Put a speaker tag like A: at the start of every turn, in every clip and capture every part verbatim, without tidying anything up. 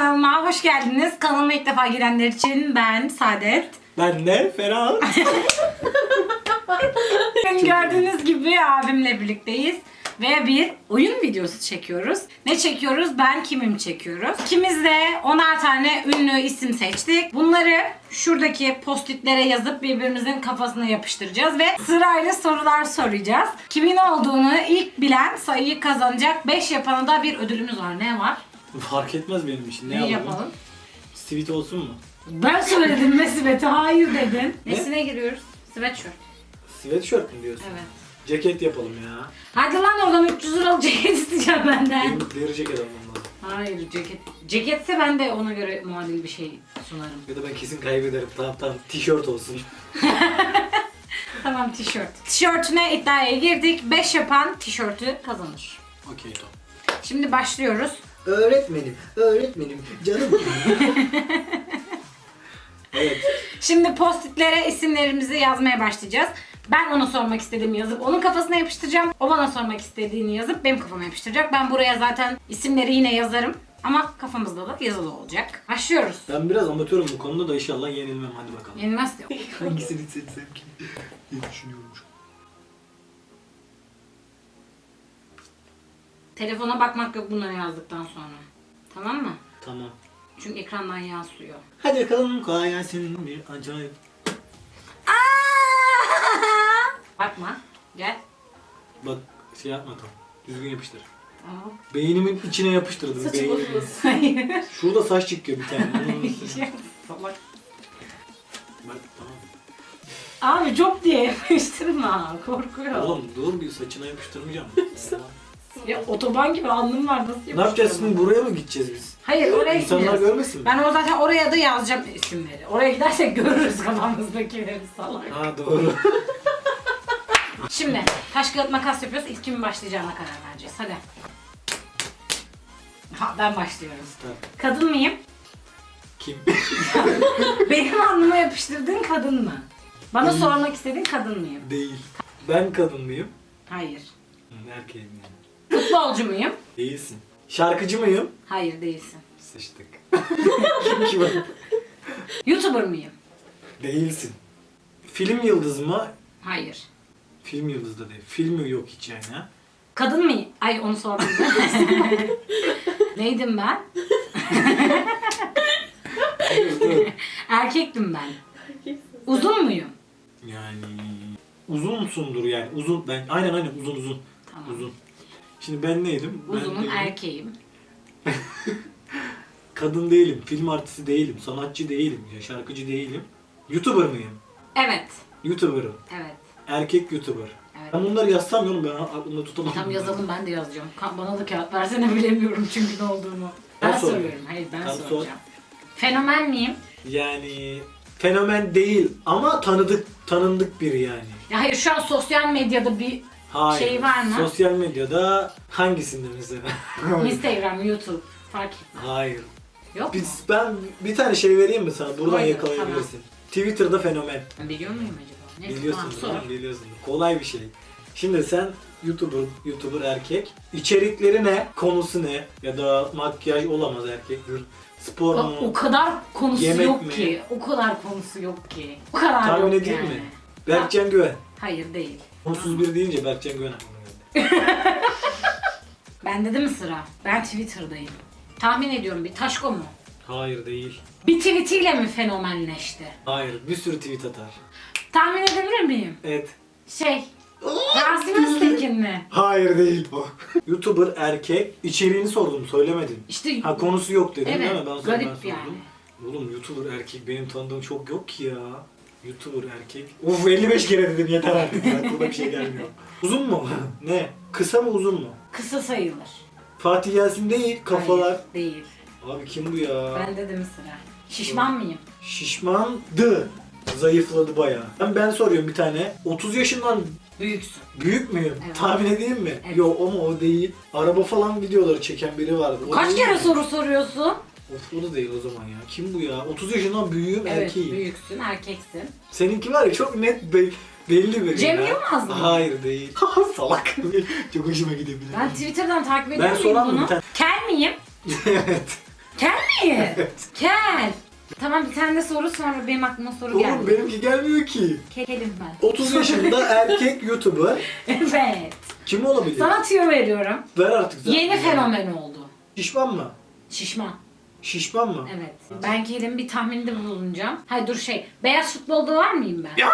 A: kanalıma hoş geldiniz. Kanalıma ilk defa girenler için ben Saadet.
B: Ben de Ferhat.
A: Gördüğünüz gibi abimle birlikteyiz. Ve bir oyun videosu çekiyoruz. Ne çekiyoruz? Ben kimim çekiyoruz. İkimiz de onar tane ünlü isim seçtik. Bunları şuradaki postitlere yazıp birbirimizin kafasına yapıştıracağız. Ve sırayla sorular soracağız. Kimin olduğunu ilk bilen sayıyı kazanacak. beş yapana da bir ödülümüz var. Ne var?
B: Fark etmez benim için. Ne,
A: Ne
B: yapalım?
A: yapalım?
B: Sweet olsun mu?
A: Ben söyledim ve Sibet'e hayır dedin.
B: Ne?
A: Nesine giriyoruz? Sweatshirt.
B: Sweatshirt mi diyorsun?
A: Evet.
B: Ceket yapalım ya.
A: Hadi lan oradan üç yüz liralık ceket isteyeceğim benden.
B: Benim deri ceket almam lazım.
A: Hayır ceket. Ceketse ben de ona göre muadil bir şey sunarım.
B: Ya da ben kesin kaybederim. Tamam tamam. Tişört olsun.
A: Tamam tişört. Tişörtüne iddiaya girdik. beş yapan tişörtü kazanır.
B: Okey tamam.
A: Şimdi başlıyoruz.
B: Öğretmenim, öğretmenim, canım. Evet.
A: Şimdi postitlere isimlerimizi yazmaya başlayacağız. Ben ona sormak istediğimi yazıp onun kafasına yapıştıracağım. O bana sormak istediğini yazıp benim kafama yapıştıracak. Ben buraya zaten isimleri yine yazarım. Ama kafamızda da yazılı olacak. Başlıyoruz.
B: Ben biraz amatörüm bu konuda da inşallah yenilmem. Hadi bakalım.
A: Yenilmez diyor.
B: Hangisini seçsem ki? Ne düşünüyormuş?
A: Telefona bakmak yok bunları yazdıktan sonra. Tamam mı?
B: Tamam.
A: Çünkü ekrandan yansıyor.
B: Hadi bakalım kolay gelsin bir acayip.
A: Bakma. Gel.
B: Bak şey yapma tam. Düzgün yapıştır.
A: Aa.
B: Beynimin içine yapıştırdım.
A: Saçı
B: Beynimin.
A: bozulsun. Hayır.
B: Şurada saç çıkıyor bir tane. Onu nasıl-
A: Salak.
B: Bak tamam.
A: Abi çok diye yapıştırma. Korkuyor.
B: Oğlum dur bir saçına yapıştırmayacağım.
A: Ya otoban gibi alnım var nasıl yapıştırma?
B: Ne yapacağız şimdi, buraya mı gideceğiz biz?
A: Hayır oraya
B: İnsanlar
A: gideceğiz.
B: görmesin mi?
A: Ben o zaten oraya da yazacağım isimleri. Oraya gidersek görürüz kafamızdakileri salak.
B: Ha doğru.
A: Şimdi taş kağıt makas yapıyoruz. İlk kimin başlayacağına karar vereceğiz. Hadi. Ha, ben başlıyorum.
B: Tamam.
A: Kadın mıyım?
B: Kim?
A: Benim alnıma yapıştırdığın kadın mı? Bana
B: Değil.
A: sormak istediğin kadın mıyım?
B: Değil. Ben kadın mıyım?
A: Hayır.
B: Hı, erkeğim yani.
A: Futbolcu muyum?
B: Değilsin. Şarkıcı mıyım?
A: Hayır değilsin.
B: Sıçtık. Kim ki ben?
A: YouTuber mıyım?
B: Değilsin. Film yıldızı mı?
A: Hayır.
B: Film yıldızı da değil. Filmi yok hiç yani ha.
A: Kadın mıyım? Ay onu sordum. Neydim ben?
B: Dur, dur.
A: Erkektim ben. Uzun muyum?
B: Yani uzun musundur yani? Uzun ben aynen aynen uzun uzun.
A: Tamam.
B: Uzun. Şimdi ben neydim?
A: Uzunum,
B: ben değilim.
A: erkeğim.
B: Kadın değilim, film artisti değilim, sanatçı değilim, ya şarkıcı değilim. YouTuber mıyım?
A: Evet.
B: YouTuber'ım.
A: Evet.
B: Erkek YouTuber.
A: Evet.
B: Ben bunları yazsam ya oğlum, ben aklımda tutamam.
A: Tam yazalım ben de yazacağım. Ka- Bana da kağıt versene bilemiyorum çünkü ne olduğunu. Ben,
B: Ben soruyorum.
A: soruyorum. Hayır ben
B: Tamam, sor.
A: soracağım. Fenomen miyim?
B: Yani fenomen değil ama tanıdık tanındık biri yani.
A: Ya hayır şu an sosyal medyada bir
B: Hayır.
A: şey var mı?
B: Sosyal medyada hangisinde mesela?
A: Instagram, YouTube fark etmez.
B: Hayır.
A: Yok mu?
B: Biz, ben bir tane şey vereyim mi sana? Buradan
A: Hayır,
B: yakalayabilirsin. Twitter'da fenomen.
A: Ben biliyor muyum acaba? Neyse,
B: Biliyorsun
A: tamam,
B: değil mi? Biliyorsun. Kolay bir şey. Şimdi sen YouTuber, YouTuber erkek. İçerikleri ne? Konusu ne? Ya da makyaj olamaz erkektir. Spor
A: O,
B: mu?
A: o kadar konusu
B: Yemek
A: yok
B: mi?
A: ki. O kadar konusu yok ki. O kadar
B: Tahmin
A: yok
B: edeyim
A: yani.
B: mi? Berkcan Güven.
A: Hayır değil.
B: Onsuz bir deyince Berkcan Güven aklıma geldi.
A: Bende de mi sıra? Ben Twitter'dayım. Tahmin ediyorum bir Taşko mu?
B: Hayır değil.
A: Bir tweetiyle mi fenomenleşti?
B: Hayır. Bir sürü tweet atar.
A: Tahmin edebilir miyim?
B: Evet.
A: Şey, Rasim Öztekin mi?
B: Hayır değil bu. YouTuber erkek. İçeriğini sordum, söylemedin.
A: İşte
B: Ha konusu yok dedin
A: evet,
B: değil mi? Ben sonra
A: garip
B: ben sordum.
A: yani.
B: Oğlum YouTuber erkek benim tanıdığım çok yok ki ya. YouTuber erkek. Of elli beş kere dedim yeter artık. Aklıma bir şey gelmiyor. Uzun mu? Ne? Kısa mı uzun mu?
A: Kısa sayılır.
B: Fatih Yasin değil, kafalar.
A: Hayır, değil.
B: Abi kim bu ya?
A: Bende de mi sıra? Şişman mıyım?
B: Şişmandı. Zayıfladı bayağı. Ben, ben soruyorum bir tane. otuz yaşından
A: Büyüksün.
B: büyük müyüm?
A: Evet.
B: Tahmin edeyim mi?
A: Evet.
B: Yok ama o değil. Araba falan videoları çeken biri vardı. O
A: Kaç
B: değil
A: kere
B: mi?
A: soru soruyorsun?
B: Of o da değil o zaman ya. Kim bu ya? otuz yaşından büyüğüm,
A: Evet,
B: erkeğim.
A: büyüksün, erkeksin.
B: Seninki var ya çok net be- belli bir.
A: Cem
B: ya.
A: Yılmaz mı?
B: Hayır değil. Salak. Çok hoşuma gidebilir.
A: Ben Twitter'dan takip ediyor
B: Ben
A: muyum
B: soran mı
A: bunu?
B: bir tane?
A: Kel miyim?
B: Evet.
A: Kel mi? Kel. Tamam bir tane de soru sonra benim aklıma soru geldi.
B: Oğlum benimki gelmiyor ki.
A: Kelim ben.
B: otuz yaşında erkek YouTuber.
A: Evet.
B: Kim olabilir?
A: Sana tüyo veriyorum.
B: Ver artık zaten.
A: Yeni fenomen oldu.
B: Şişman mı?
A: Şişman.
B: Şişman mı?
A: Evet. Ben Kerim'in bir tahminde bulunacağım. Hayır dur şey. Beyaz futbolda var mıyım ben?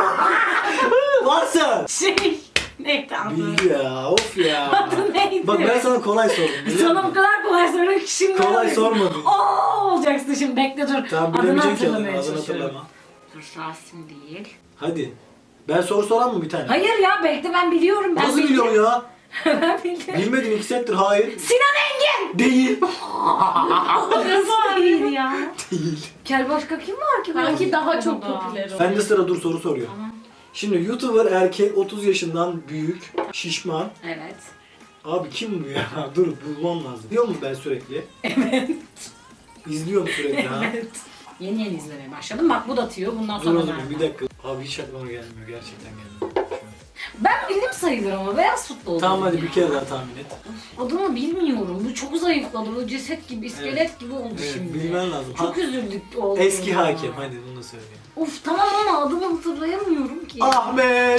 B: Varsa.
A: Şey. Neydi adı?
B: Bildi ya. Of ya.
A: Adı neydi?
B: Bak ben sana kolay sordum. biliyor
A: Sana
B: musun?
A: bu kadar kolay soruyor ki şimdi.
B: Kolay sormadın.
A: Oo olacaksın şimdi bekle dur.
B: Tamam
A: Adını
B: bilemeyecek ki adını.
A: hatırlamaya
B: Adını
A: çalışıyorum.
B: hatırlama.
A: Dur Rasim değil.
B: Hadi. Ben soru soran mı bir tane?
A: Hayır ya bekle ben biliyorum. Ben
B: Nasıl
A: bildim.
B: biliyorsun ya?
A: Ben bildim.
B: Bilmedin iki settir hayır.
A: Sinan Engin!
B: Değil.
A: Nasıl değil ya?
B: Değil.
A: Kel başka kim var ki?
C: Sanki daha çok
A: Burada.
C: popüler oldu.
B: Ben de sıra dur soru soruyor.
A: Tamam.
B: Şimdi YouTuber erkek otuz yaşından büyük, şişman.
A: Evet.
B: Abi kim bu ya? Dur bulmam lazım. İzliyor mu ben sürekli? Evet. İzliyorum sürekli ha.
A: Evet. Yeni yeni izlemeye başladım. Bak bu da tüyo. Bundan
B: Dur
A: sonra
B: o zaman
A: vermem.
B: bir dakika. Abi hiç aklıma gelmiyor. Gerçekten gelmiyor. Şu an.
A: Ben bildim sayılır ama beyaz futbol.
B: Tamam hadi
A: dedim
B: bir
A: ya.
B: kere daha tahmin et.
A: Adını bilmiyorum. Bu çok zayıfladı. Bu ceset gibi, iskelet
B: Evet.
A: gibi oldu
B: Evet,
A: şimdi.
B: bilmen lazım.
A: Çok
B: Ha-
A: üzüldük oldu.
B: Eski hakem hadi bunu da söyleyeyim.
A: Of tamam ama adını hatırlayamıyorum ki.
B: Ahmet!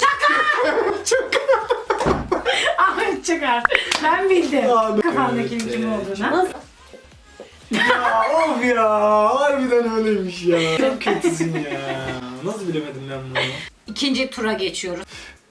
A: Ahmet Çakar. Ben bildim.
B: Ahmet.
A: Kafamdakinin
B: Evet,
A: kim
B: evet.
A: olduğunu.
B: Ya of ya! Harbiden öyleymiş ya. Çok kötüsün ya. Nasıl bilemedim ben bunu?
A: İkinci tura geçiyoruz.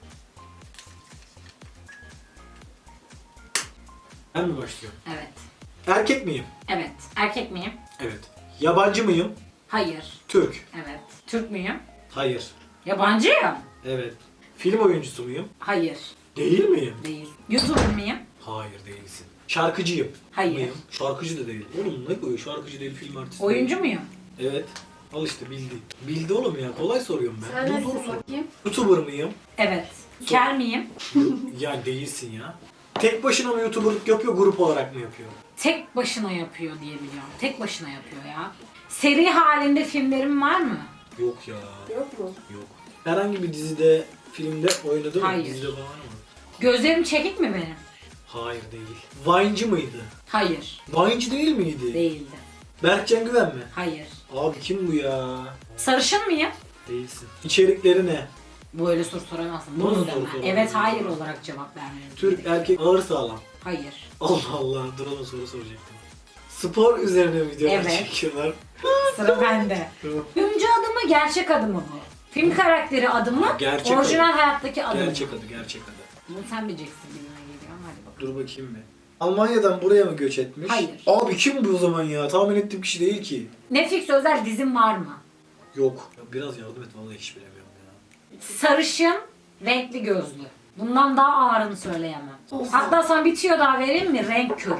B: Ben mi başlıyorum?
A: Evet.
B: Erkek miyim?
A: Evet. Erkek miyim?
B: Evet. Yabancı mıyım?
A: Hayır.
B: Türk.
A: Evet. Türk müyüm?
B: Hayır.
A: Yabancıyım.
B: Evet. Film oyuncusu muyum?
A: Hayır.
B: Değil miyim?
A: Değil. YouTuber mıyım?
B: Hayır değilsin. Şarkıcıyım.
A: Hayır.
B: Mıyım? Şarkıcı da değil. Oğlum ne koyuyor? Şarkıcı değil, film artisti
A: Oyuncu
B: değil.
A: muyum?
B: Evet. Al işte bildi. Bildi oğlum ya. Kolay soruyorum ben.
C: Sen
B: Dur,
C: nesin
B: dur, sor.
C: bakayım?
B: YouTuber mıyım?
A: Evet. Kel miyim?
B: Ya değilsin ya. Tek başına mı YouTuber'lık yapıyor, grup olarak mı yapıyor?
A: Tek başına yapıyor diye biliyorum. Tek başına yapıyor ya. Seri halinde filmlerim var mı?
B: Yok ya.
C: Yok mu?
B: Yok. Herhangi bir dizide, filmde oynadı mı?
A: Hayır.
B: Dizide falan mı?
A: Gözlerim çekik mi benim?
B: Hayır değil. Vine'cı mıydı?
A: Hayır.
B: Vine'cı değil miydi?
A: Değildi.
B: Berkcan Güven mi?
A: Hayır.
B: Abi kim bu ya?
A: Sarışın mıyım?
B: Değilsin. İçerikleri ne?
A: Böyle soru soramazsın.
B: Nasıl
A: Bunu
B: soru
A: deme.
B: soramazsın?
A: Evet hayır olarak cevap vermelisin.
B: Türk erkek ağır sağlam.
A: Hayır.
B: Allah Allah dur ona soru soracaktım. Spor üzerine videolar
A: Evet.
B: çekiyorlar.
A: Sıra bende.
B: Tamam.
A: Oyuncu adı mı gerçek adı mı bu? Film karakteri adı mı?
B: Gerçek
A: Orijinal
B: adı.
A: hayattaki adı mı?
B: Gerçek adı, gerçek adı.
A: Bunu sen bileceksin gibime geliyor ama hadi bakalım.
B: Dur bakayım bir. Almanya'dan buraya mı göç etmiş?
A: Hayır.
B: Abi kim bu o zaman ya? Tahmin ettiğim kişi değil ki.
A: Netflix özel dizim var mı?
B: Yok. Ya biraz yardım et vallahi hiç bilemiyorum ya.
A: Sarışın, renkli gözlü. Bundan daha ağırını söyleyemem. Hatta sana bir tüyo daha vereyim mi? Renk körü.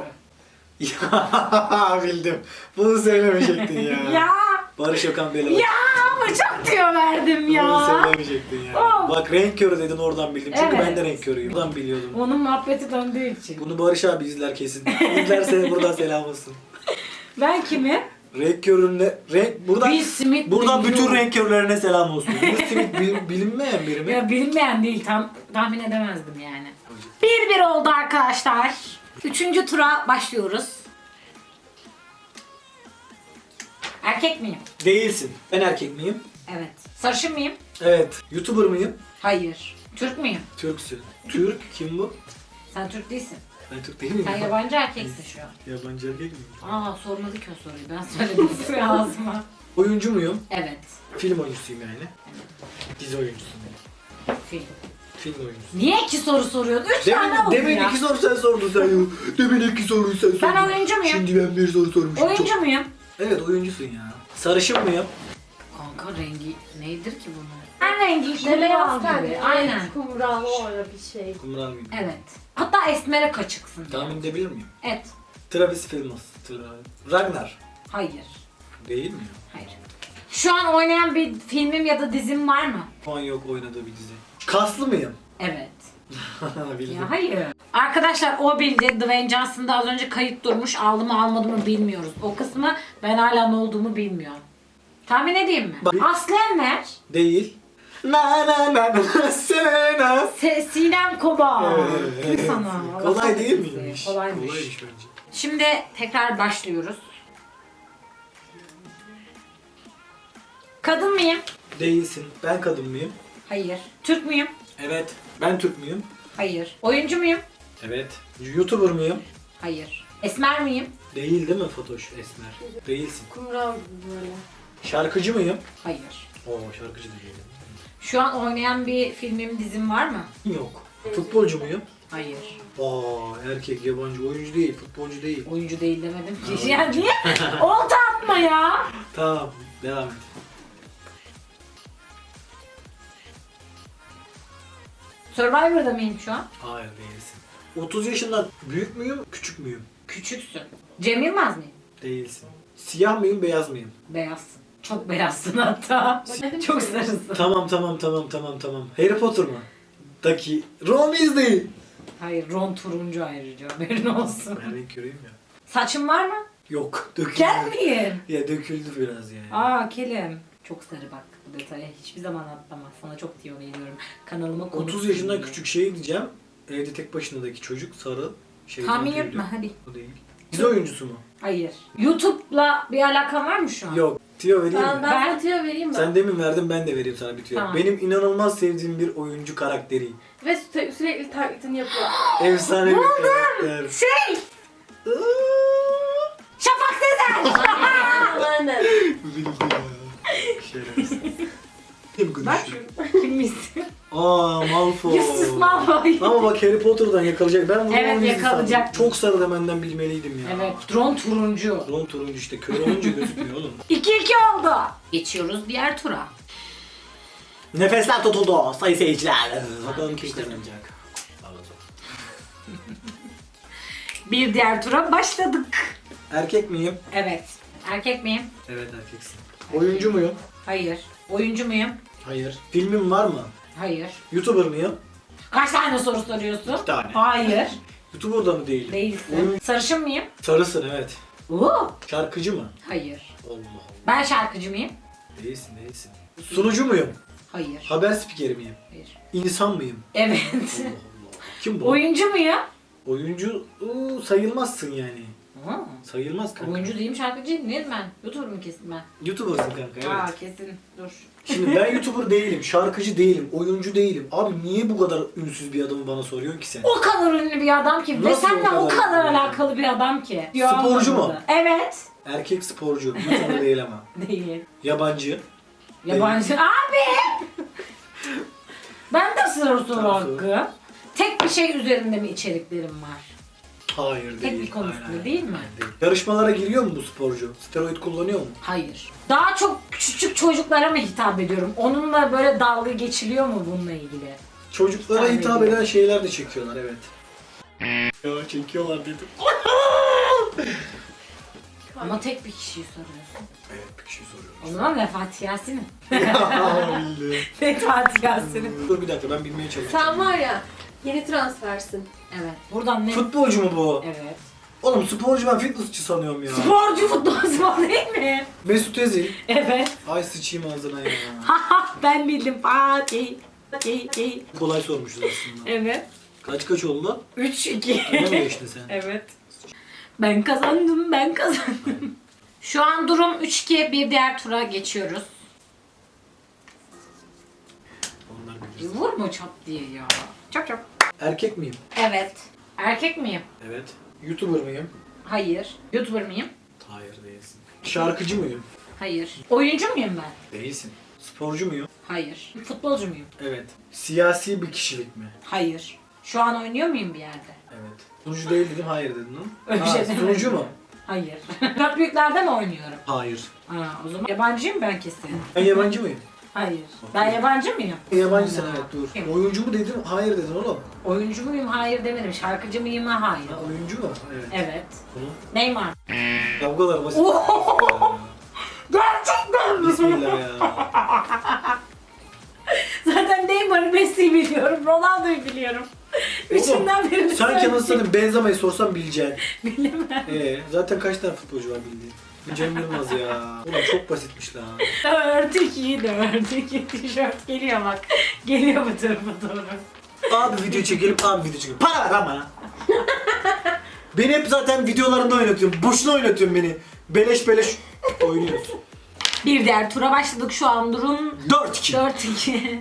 B: Ya bildim. Bunu söylemeyecektin ya.
A: Ya!
B: Barış Okan Bey'le
A: Ya ama çok tüyo verdim
B: Bunu
A: ya.
B: söylemeyecektin ya.
A: Of.
B: Bak renk körü dedin oradan bildim. Çünkü
A: Evet.
B: ben de renk körüyüm. Buradan biliyordum.
A: Onun muhabbeti döndüğü için.
B: Bunu Barış abi izler kesin. İzlerse buradan selam olsun.
A: Ben kimi?
B: Renk körüne, renk buradan
A: Will Smith
B: buradan
A: biliyorum.
B: bütün renk körlerine selam olsun. Will Smith bil- bilinmeyen biri mi?
A: Ya bilinmeyen değil, tam tahmin edemezdim yani. Bir bir oldu arkadaşlar. Üçüncü tura başlıyoruz. Erkek miyim?
B: Değilsin. Ben erkek miyim?
A: Evet. Sarışın mıyım?
B: Evet. YouTuber mıyım?
A: Hayır. Türk müyüm?
B: Türksün. Türk kim bu?
A: Sen Türk değilsin.
B: Ben Türk değil miyim?
A: Sen yabancı erkeksin şu an.
B: Yabancı erkek miyim?
A: Aa sormadı ki o soruyu. Ben söyledim suya ağzıma.
B: Oyuncu muyum?
A: Evet.
B: Film oyuncusuyum yani. Dizi oyuncusuyum.
A: Film.
B: Film oyuncusu.
A: Niye iki soru soruyorsun? Üç tane
B: Demin,
A: oldu
B: demin
A: ya.
B: iki soru sen sordun sen ya. Demin iki soruyu sen sordun.
A: Ben oyuncu muyum?
B: Şimdi ben bir soru sormuşum.
A: Oyuncu
B: Çok-
A: muyum?
B: Evet oyuncusun ya. Sarışın mıyım?
A: Kanka rengi neydir ki bunlar? Ben rengi işte
C: İşte
A: beyaz
C: beyaz
A: gibi.
C: tenli,
A: Aynen.
C: kumral öyle bir şey.
B: Kumral mıyım?
A: Evet. Hatta esmere kaçıksın.
B: Tahmin edebilir miyim?
A: Evet.
B: Travis Fimmel. Tra- Ragnar.
A: Hayır.
B: Değil mi ya?
A: Hayır. Şu an oynayan bir filmim ya da dizim var mı?
B: Şu an yok oynadığı bir dizi. Kaslı mıyım?
A: Evet.
B: Bildim.
A: Ya hayır. Arkadaşlar o bildi. Dwayne Johnson'da az önce kayıt durmuş. Aldı mı almadı mı bilmiyoruz. O kısmı ben hala ne olduğumu bilmiyorum. Tahmin edeyim mi?
B: Bak-
A: Aslı Enver.
B: Değil. Na na na na sena.
A: Se Sinem Koba.
B: Evet, evet, evet.
A: Sana. Allah
B: Kolay değil
A: kahretsin.
B: miymiş?
A: Kolaymış.
B: Kolaymış bence.
A: Şimdi tekrar başlıyoruz. Kadın mıyım?
B: Değilsin. Ben kadın mıyım?
A: Hayır. Türk müyüm?
B: Evet. Ben Türk müyüm?
A: Hayır. Oyuncu muyum?
B: Evet. YouTuber mıyım?
A: Hayır. Esmer miyim?
B: Değil değil mi Fatoş Esmer? Değilsin.
C: Kumral gibi böyle.
B: Şarkıcı mıyım?
A: Hayır.
B: Oo şarkıcı da değilim.
A: Şu an oynayan bir filmim, dizim var mı?
B: Yok. Futbolcu muyum?
A: Hayır.
B: Aa erkek yabancı oyuncu değil, futbolcu değil.
A: Oyuncu değil demedim
B: Ha,
A: ki. Ya niye? Olta atma ya.
B: Tamam devam et.
A: Survivor'da mıyım şu an?
B: Hayır değilsin. otuz yaşından büyük müyüm, küçük müyüm?
A: Küçüksün. Cem Yılmaz mıyım?
B: Değilsin. Siyah mıyım, beyaz mıyım?
A: Beyazsın. Çok beyazsın hatta. Çok sarısın.
B: Tamam tamam tamam tamam tamam. Harry Potter mı? Daki Ron Weasley.
A: Hayır, Ron turuncu ayrıca, haberin olsun.
B: Ben renk göreyim ya.
A: Saçın var mı?
B: Yok döküldü.
A: Kel miyim?
B: Ya döküldü biraz yani.
A: Aa, kelim. Çok sarı bak bu detaya. Hiçbir zaman atlama. Sana çok tiyo veriyorum. Kanalıma konuk.
B: otuz yaşından küçük şey diyeceğim. Evde tek başınadaki çocuk sarı. Şey
A: Tahmin
B: tüylü.
A: yapma hadi.
B: O değil. Dizi oyuncusu mu?
A: Hayır. YouTube'la bir alakan var mı şu an?
B: Yok. Tüyo vereyim
C: Ben,
B: mi?
C: ben,
A: Ben-
C: ben tüyo vereyim mi?
B: Sen demin verdin ben de vereyim sana bir tüyo.
A: Tamam.
B: Benim inanılmaz sevdiğim bir oyuncu karakteri.
C: Ve sürekli, sürekli taklitini yapıyor.
B: Efsane bir karakter.
A: Şey! Şafak Sezer!
C: Aynen.
B: Bildi ya. Şerefsiz. Kim
A: Bak
B: konuşuyor?
A: kim misin?
B: Aa Malfoy.
A: Yusuf Malfoy.
B: Ama bak Harry Potter'dan yakalayacak. Ben bunu
A: Evet,
B: onu izledim.
A: yakalayacak.
B: Çok sarı demenden bilmeliydim ya.
A: Evet, drone turuncu.
B: Ron turuncu işte. Kör olunca gözükmüyor oğlum.
A: iki iki oldu. Geçiyoruz diğer tura.
B: Nefesler tutuldu sayın seyirciler. Bakalım kim kazanacak.
A: Bir diğer tura başladık.
B: Erkek miyim?
A: Evet. Erkek miyim?
B: Evet erkeksin. Oyuncu muyum?
A: Hayır. Oyuncu muyum?
B: Hayır. Filmim var mı?
A: Hayır.
B: YouTuber mıyım?
A: Kaç tane soru soruyorsun?
B: İki tane.
A: Hayır.
B: YouTuber'da mı değilim?
A: Değilsin.
B: Oyun-
A: Sarışın mıyım?
B: Sarısın evet.
A: Oo.
B: Şarkıcı mı?
A: Hayır.
B: Allah Allah.
A: Ben şarkıcı mıyım?
B: Değilsin değilsin. Sunucu muyum?
A: Hayır.
B: Haber spikeri miyim?
A: Hayır.
B: İnsan mıyım?
A: Evet.
B: Allah Allah. Kim bu?
A: Oyuncu muyum?
B: Oyuncu ıı, sayılmazsın yani.
A: Ha.
B: Sayılmaz kanka.
A: Oyuncu değilim, şarkıcıyım. Neyim ben? YouTuber mu kesin ben?
B: YouTuber'sın kanka evet.
A: Aa, kesin. Dur.
B: Şimdi ben YouTuber değilim, şarkıcı değilim, oyuncu değilim. Abi niye bu kadar ünsüz bir adamı bana soruyorsun ki sen?
A: O kadar ünlü bir adam ki ve
B: Nasıl
A: seninle
B: o
A: o
B: kadar
A: kadar
B: ünlü?
A: alakalı bir adam ki.
B: Sporcu mu?
A: Anlamadı. Evet.
B: Erkek sporcu, YouTuber değil ama.
A: Değil.
B: Yabancı.
A: Yabancı. Abi! Ben de soru soru
B: Tamam,
A: hakkı. Tek bir şey üzerinde mi içeriklerim var?
B: Hayır
A: Tek
B: değil.
A: bir konu
B: Aynen,
A: üstünde
B: aynen.
A: değil mi?
B: Değil. Yarışmalara giriyor mu bu sporcu? Steroid kullanıyor mu?
A: Hayır. Daha çok küçük çocuklara mı hitap ediyorum? Onunla böyle dalga geçiliyor mu bununla ilgili?
B: Çocuklara
A: Tabii
B: hitap
A: değil.
B: eden şeyler de çekiyorlar evet. Ya çekiyorlar dedim.
A: Ama tek bir kişiyi soruyorsun.
B: Evet bir şey soruyorum.
A: O zaman Vefat Yasin'im.
B: Öyle.
A: Vefat Yasin'im.
B: Dur bir dakika ben bilmeye çalışacağım.
C: Sen var ya yeni transfersin.
A: Evet. Buradan ne?
B: Futbolcu mu bu?
A: Evet.
B: Oğlum sporcu ben fitnessçi sanıyorum ya.
A: Sporcu futbolcu değil mi?
B: Mesut Özil.
A: Evet.
B: Ay sıçayım ağzına ya.
A: Haha, ben bildim. Fatih. Fatih.
B: Kolay sormuşuz aslında.
A: Evet.
B: Kaç kaç oldu?
A: üç iki.
B: Öyle mi geçtin sen?
A: Evet. Ben kazandım, ben kazandım. Şu an durum üç iki, bir diğer tura geçiyoruz.
B: Onlar
A: Bir
B: bilirsin.
A: vurma çap diye ya. Çap çap.
B: Erkek miyim?
A: Evet. Erkek miyim?
B: Evet. YouTuber mıyım?
A: Hayır. YouTuber mıyım?
B: Hayır değilsin. Şarkıcı mıyım?
A: Hayır. Oyuncu muyum ben?
B: Değilsin. Sporcu muyum?
A: Hayır. Futbolcu muyum?
B: Evet. Siyasi bir kişilik mi?
A: Hayır. Şu an oynuyor muyum bir yerde?
B: Evet. Sunucu değil dedim, hayır dedin lan.
A: Öyle bir
B: Ha,
A: şey demedim.
B: sunucu mu?
A: Hayır. Dört büyüklerde mi oynuyorum?
B: Hayır.
A: Ha, o zaman yabancıyım ben kesin.
B: Ben yabancı mıyım?
A: Hayır. Ben yabancı mıyım?
B: Yabancısın
A: Allah.
B: evet dur.
A: Kim?
B: Oyuncu mu dedin? Hayır dedin oğlum.
A: Oyuncu muyum? Hayır demedim. Şarkıcı mıyım? Hayır.
B: Ha, oyuncu mu? Evet.
A: Evet.
B: Hı.
A: Neymar.
B: Ya bu kadar basit.
A: Oho! Gerçekten mi?
B: Bismillah ya.
A: Zaten Neymar'ı, Messi'yi biliyorum. Ronaldo'yu biliyorum. Üçünden birini
B: Sanki
A: söyleyeyim.
B: nasıl sana Benzema'yı sorsam bileceksin.
A: Bilemem.
B: Ee, zaten kaç tane futbolcu var bildiğin? Cem Yılmaz ya. Ulan çok basitmiş lan.
A: Dört iki, dört iki. Tişört geliyor bak. Geliyor bu tarafa doğru.
B: Abi video çekelim, abi video çekelim. Para ver ama. Beni hep zaten videolarında oynatıyorsun. Boşuna oynatıyorsun beni. Beleş beleş oynuyorsun.
A: Bir diğer tura başladık. Şu an durum
B: dört iki.
A: dört iki.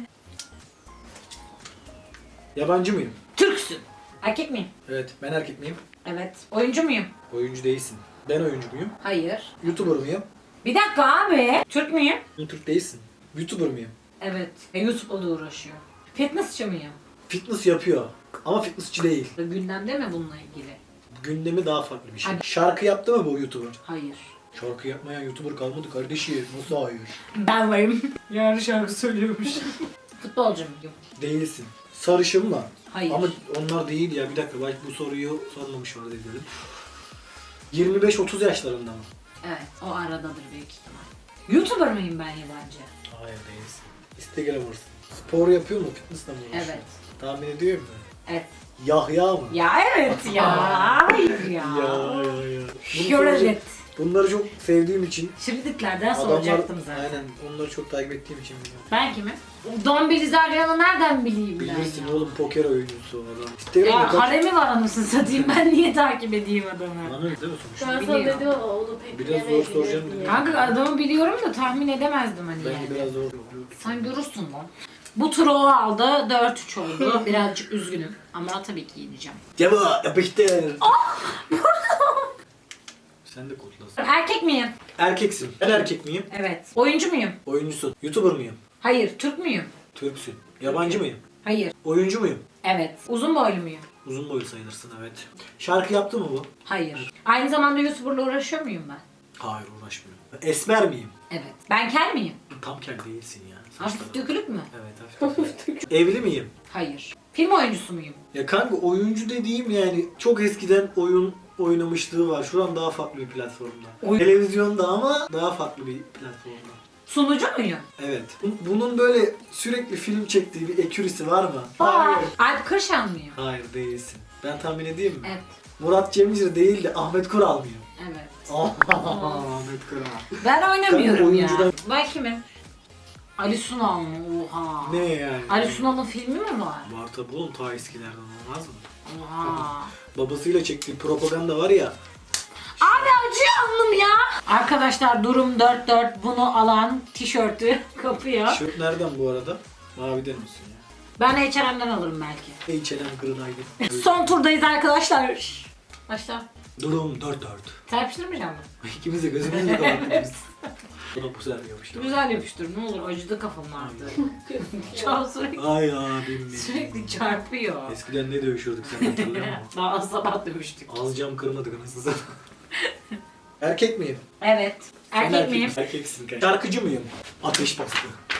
B: Yabancı mıyım?
A: Türksün. Erkek miyim?
B: Evet. Ben erkek miyim?
A: Evet. Oyuncu muyum?
B: Oyuncu değilsin. Ben oyuncu muyum?
A: Hayır.
B: YouTuber mıyım?
A: Bir dakika abi. Türk müyüm?
B: Türk değilsin. YouTuber mıyım?
A: Evet. E, YouTube'la da uğraşıyor. Fitnessçi miyim?
B: Fitness yapıyor. Ama fitnessçi değil.
A: Gündemde mi bununla ilgili?
B: Gündemi daha farklı bir şey.
A: Hadi.
B: Şarkı yaptı mı bu YouTuber?
A: Hayır.
B: Şarkı yapmayan YouTuber kalmadı kardeşim. Nasıl hayır?
A: Ben varım. Yarın şarkı söylüyormuş. Futbolcu muyum?
B: Değilsin. Sarışın mı?
A: Hayır.
B: Ama onlar değil ya. Bir dakika belki bu soruyu sormamış var dedim. yirmi beş otuz yaşlarında mı?
A: Evet. O aradadır büyük ihtimal. YouTuber mıyım ben yabancı?
B: Hayır değilsin. Instagram'ırsın. Spor yapıyor mu? Fitness'la mı uğraşıyor?
A: Evet.
B: Tahmin ediyor musun?
A: Evet.
B: Yahya mı?
A: Ya evet ya. Hayır ya.
B: Ya ya ya. Bunu
A: Pure
B: soracak-
A: evet.
B: Bunları çok sevdiğim için
A: Şimdiliklerden
B: adamlar,
A: soracaktım zaten.
B: aynen onları çok takip ettiğim için biliyorum.
A: Ben kimim? Dombiliz Aryan'ı nereden bileyim ben
B: Bilirsin
A: ya?
B: oğlum poker oyuncusu o adam. Instagram'da
A: Ya
B: kaç...
A: haremi var anasını satayım, ben niye takip edeyim adamı?
B: Anladın değil mi sonuçta?
C: Ben sana
A: Biliyor.
C: dedim ama onu pek
B: Biraz zor
C: bilemeyebilirim
B: soracağım
C: diye.
B: dedim.
A: Kanka adamı biliyorum da tahmin edemezdim hani
B: Ben
A: yani.
B: de biraz zor.
A: Sen görürsün lan. Bu turu o aldı, dört üç oldu. Birazcık üzgünüm ama tabii ki yeneceğim.
B: Cevap yapıştır. Sen de kodlasın.
A: Erkek miyim?
B: Erkeksin. Ben erkek miyim?
A: Evet. Oyuncu muyum?
B: Oyuncusun. YouTuber mıyım?
A: Hayır. Türk müyüm?
B: Türksün. Yabancı mıyım?
A: Hayır.
B: Oyuncu muyum?
A: Evet. Uzun boylu muyum?
B: Uzun boylu sayılırsın evet. Şarkı yaptı mı bu?
A: Hayır. Aynı zamanda YouTuber'la uğraşıyor muyum ben?
B: Hayır uğraşmıyorum. Esmer miyim?
A: Evet. Ben kel miyim?
B: Tam kel değilsin ya.
A: Hafif
B: Saçların-
A: dökülük mü?
B: Evet hafif dökülük. Evli miyim?
A: Hayır. Film oyuncusu muyum?
B: Ya kanka oyuncu dediğim yani çok eskiden oyun oynamışlığı var. Şu an daha farklı bir platformda.
A: Oyun-
B: Televizyonda ama daha farklı bir platformda.
A: Sunucu muyum?
B: Evet. Bu- Bunun böyle sürekli film çektiği bir ekürisi var mı?
A: Aa, Alp Kırşan mıyım?
B: Hayır değilsin. Ben tahmin edeyim mi?
A: Evet.
B: Murat Cemcir değil de Ahmet Kural mıyım?
A: Evet.
B: Ahmet Kural.
A: Ben oynamıyorum
B: Kanka
A: ya.
B: oyuncudan-
A: Ben kimim? Ali Sunal mı? Oha.
B: Ne yani?
A: Ali Sunal'ın filmi mi var?
B: Var tabi oğlum ta eskilerden olmaz mı?
A: Oha.
B: Babasıyla çektiği propaganda var ya.
A: Abi acıyor alnım ya. Arkadaşlar durum dört dört. Bunu alan tişörtü kapıyor.
B: Tişört nereden bu arada? Maviden misin ya?
A: Ben H and M'den alırım belki.
B: H and M kırınaydı.
A: Son turdayız arkadaşlar. Şşş. Başla.
B: Durum dört dört.
A: Serpiştirmeyeceğim mi?
B: İkimiz de gözümüzü kapattık biz. Bu da bu sefer yapıştı.
A: Güzel yapıştır ne olur, acıdı kafam artık. Çok sürekli,
B: Ay abim benim.
A: sürekli çarpıyor.
B: Eskiden ne dövüşüyorduk sen hatırlıyor musun?
A: Daha sabah dövüştük.
B: Az cam kırmadık anasını satayım. Erkek miyim?
A: Evet.
B: Sen
A: Erkek miyim?
B: Erkeksin kanka. Şarkıcı mıyım? Ateş bastı.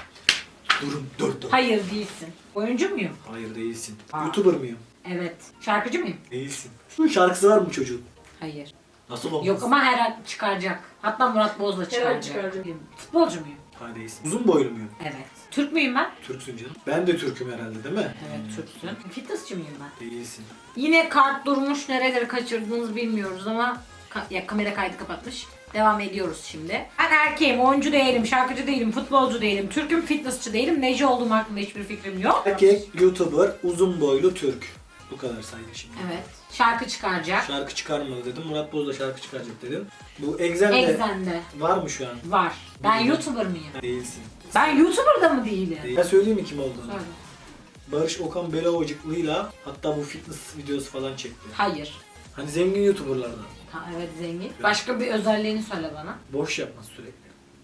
B: Durum dört dört.
A: Hayır değilsin. Oyuncu muyum?
B: Hayır değilsin.
A: Aa.
B: YouTuber muyum?
A: Evet. Şarkıcı mıyım?
B: Değilsin. Şarkısı var mı çocuğun?
A: Hayır.
B: Nasıl olmaz?
A: Yok ama her an çıkaracak. Hatta Murat Boz'la çıkaracak.
C: çıkaracak.
A: Futbolcu muyum?
B: Hayır değilsin. Uzun boylu muyum?
A: Evet. Türk müyüm ben?
B: Türksün canım. Ben de Türk'üm herhalde değil mi?
A: Evet Türksün. Fitnessçi miyim ben?
B: Değilsin.
A: Yine kart durmuş, nereleri kaçırdığınızı bilmiyoruz ama ka- ya kamera kaydı kapatmış. Devam ediyoruz şimdi. Ben erkeğim, oyuncu değilim, şarkıcı değilim, futbolcu değilim, Türk'üm, fitnessçi değilim. Neci olduğum hakkında hiçbir fikrim yok.
B: Erkek, YouTuber, uzun boylu Türk. Bu kadar saydık şimdi.
A: Evet. Şarkı çıkaracak.
B: Şarkı çıkarmadı dedim. Murat Boz da şarkı çıkaracak dedim. Bu Exxen'de
A: Exxen'de
B: var mı şu an?
A: var. Ben
B: Bilmiyorum.
A: YouTuber mıyım?
B: Değilsin.
A: Ben YouTuber'da mı değilim?
B: Değil. Ben söyleyeyim mi kim olduğunu?
A: Söyle.
B: Barış Okan Belovacıklı'yla hatta bu fitness videosu falan çekti.
A: Hayır.
B: Hani zengin YouTuber'lardan.
A: Ha, evet zengin. Başka bir özelliğini söyle bana.
B: Boş yapmaz sürekli.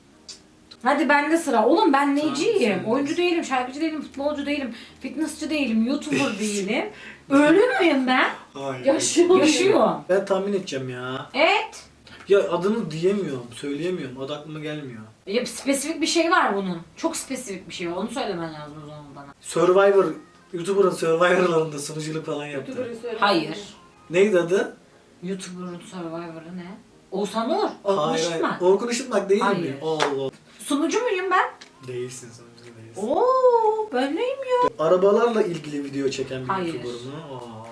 A: Hadi bende sıra. Oğlum ben neciyim?
B: sen
A: Oyuncu değilim, şarkıcı değilim, futbolcu değilim, fitnessçi değilim, YouTuber değilim. Ölü müyüm ben?
B: Hayır.
C: Yaşıyor.
A: Yaşıyorum.
B: Ben tahmin edeceğim ya.
A: Evet.
B: Ya adını diyemiyorum, söyleyemiyorum. Adı aklıma gelmiyor.
A: Ya spesifik bir şey var bunun. Çok spesifik bir şey var. Onu söylemen lazım o zaman bana.
B: Survivor, YouTuber'ın Survivor'larında sunuculuk falan yaptı.
C: YouTuber'ı söyle.
A: Hayır.
B: Neydi adı?
A: YouTuber'ın Survivor'ı ne? Oğuzhan Uğur. Orkun
B: Hayır, hayır.
A: Işıtmak.
B: Orkun Işıtmak değil mi?
A: Hayır.
B: Allah.
A: Sunucu muyum ben?
B: Değilsin sonuçta değilsin.
A: Oo, ben neyim ya?
B: Arabalarla ilgili video çeken bir
A: Hayır.
B: YouTuber mı?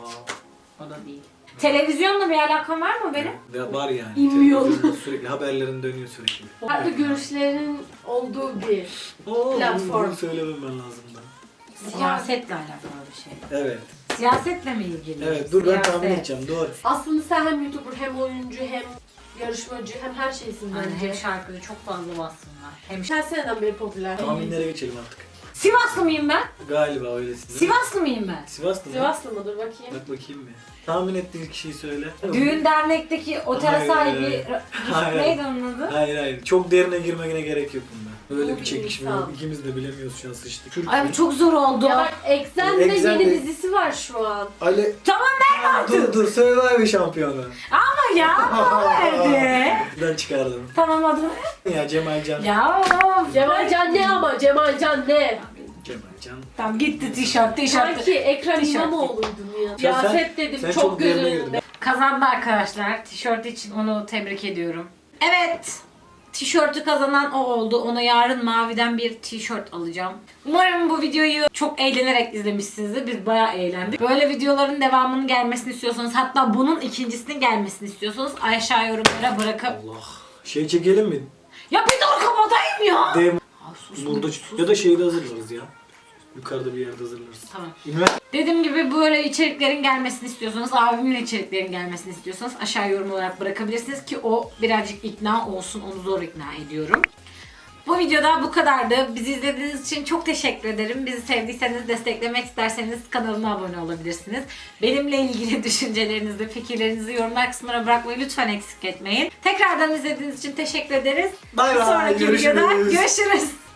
B: Aa.
A: O da değil. Televizyonla bir alakam var mı benim?
B: Ve var yani.
C: İmmiyor.
B: Televizyonda sürekli haberlerin dönüyor sürekli.
C: Farklı görüşlerin olduğu bir.
B: Oo,
C: Platform.
B: Bunu söylemem ben lazım da.
A: Siyasetle alakalı bir şey.
B: Evet.
A: Siyasetle mi ilgili?
B: Evet dur ben tahmin
A: Siyaset.
B: edeceğim. Doğru.
C: Aslında sen hem YouTuber hem oyuncu hem yarışmacı hem her şeysin
A: Yani
C: bence.
A: hem şarkıcı çok fazla bassınlar. Hem
C: Her seneden beri popüler.
B: Tahminlere geçelim artık.
A: Sivaslı mıyım ben?
B: Galiba öylesin.
A: Sivaslı mıyım ben?
B: Sivaslı mı?
C: Sivaslı mıdır bakayım?
B: Bak bakayım bir. Tahmin ettiğin kişiyi söyle.
A: Düğün dernekteki otele
B: Hayır,
A: sahibi
B: hayır.
A: Ra-
B: Hayır.
A: neydi onun adı?
B: Hayır hayır. Çok derine girmene gerek yok bunda. Böyle
C: Bu
B: bir
C: bir
B: çekişme
C: insan.
B: yok. İkimiz de bilemiyoruz şu an sıçtık. Türk
A: Ay bu çok zor oldu.
C: Ya bak Exxen'de
B: Exxen'de-
C: yeni dizisi var şu an.
B: Ali...
A: Tamam ver artık.
B: Dur dur Survivor şampiyonu.
A: Ama ya ama verdi.
B: Ben çıkardım.
A: Tamam adını.
B: Ya Cemalcan.
A: Ya of.
C: Cemalcan ne ama Cemalcan ne?
B: Cemalcan.
A: Tamam gitti tişört tişört.
C: Sanki Ekrem
A: Tişört.
C: İmamoğlu'ydun ya.
B: Ya sen-
C: Siyaset dedim
B: Sen
C: çok,
B: çok
C: göz
B: derine
C: önünde.
B: girdin.
A: Kazandı arkadaşlar. Tişört için onu tebrik ediyorum. Evet. Tişörtü kazanan o oldu. Ona yarın maviden bir tişört alacağım. Umarım bu videoyu çok eğlenerek izlemişsinizdir. Biz bayağı eğlendik. Böyle videoların devamının gelmesini istiyorsanız, hatta bunun ikincisinin gelmesini istiyorsanız aşağı yorumlara bırakıp...
B: Allah. Şey çekelim mi?
A: Ya bir dur kapatayım ya!
B: Dev
A: Aa, sus,
B: burada
A: sus.
B: ya da şeyde hazırlarız ya. Yukarıda bir yerde hazırlarız.
A: Tamam.
B: Üniversite
A: Dediğim gibi böyle içeriklerin gelmesini istiyorsanız, abimle içeriklerin gelmesini istiyorsanız aşağı yorum olarak bırakabilirsiniz ki o birazcık ikna olsun, onu zor ikna ediyorum. Bu videoda bu kadardı. Bizi izlediğiniz için çok teşekkür ederim. Bizi sevdiyseniz, desteklemek isterseniz kanalıma abone olabilirsiniz. Benimle ilgili düşüncelerinizi, fikirlerinizi yorumlar kısmına bırakmayı lütfen eksik etmeyin. Tekrardan izlediğiniz için teşekkür ederiz.
B: Bay
A: Bir
B: bay,
A: sonraki videoda
B: görüşürüz.
A: görüşürüz.